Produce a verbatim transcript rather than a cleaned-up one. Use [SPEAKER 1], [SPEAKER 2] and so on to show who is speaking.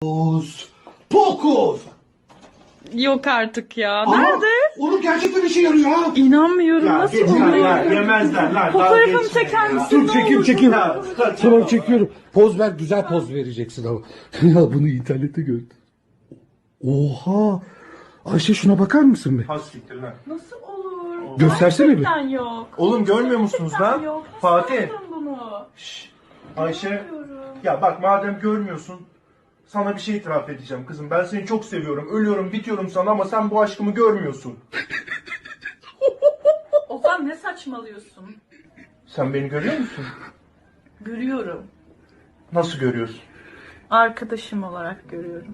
[SPEAKER 1] Pokus. Pokus.
[SPEAKER 2] Yok artık ya.
[SPEAKER 1] Aa,
[SPEAKER 2] Nerede?
[SPEAKER 1] Oğlum gerçekten işe yarıyor ha.
[SPEAKER 2] İnanmıyorum.
[SPEAKER 3] Ya
[SPEAKER 2] Nasıl
[SPEAKER 3] geç
[SPEAKER 2] oluyor?
[SPEAKER 3] ya, yemezler lan.
[SPEAKER 2] Fotoğrafımı çeker misin?
[SPEAKER 1] Dur
[SPEAKER 2] Ne
[SPEAKER 1] çekeyim
[SPEAKER 2] olur?
[SPEAKER 1] çekeyim.
[SPEAKER 3] Ya,
[SPEAKER 1] Tamam çekiyorum. Poz ver, güzel poz vereceksin ama. Ya bunu internette gördüm. Oha. Ayşe şuna bakar mısın be?
[SPEAKER 3] Hastiktir lan.
[SPEAKER 2] Nasıl olur?
[SPEAKER 1] Göstersene bir.
[SPEAKER 2] Gerçekten yok.
[SPEAKER 3] Oğlum görmüyor musunuz
[SPEAKER 2] Gerçekten
[SPEAKER 3] lan?
[SPEAKER 2] yok. Nasıl
[SPEAKER 3] Fatih.
[SPEAKER 2] yaptın bunu?
[SPEAKER 3] Şşş. Ayşe.
[SPEAKER 2] İnanmıyorum.
[SPEAKER 3] Ya bak madem görmüyorsun. Sana bir şey itiraf edeceğim kızım. Ben seni çok seviyorum. Ölüyorum bitiyorum sana ama sen bu aşkımı görmüyorsun.
[SPEAKER 2] Ozan ne saçmalıyorsun?
[SPEAKER 3] Sen beni görüyor musun?
[SPEAKER 2] Görüyorum.
[SPEAKER 3] Nasıl görüyorsun?
[SPEAKER 2] Arkadaşım olarak görüyorum.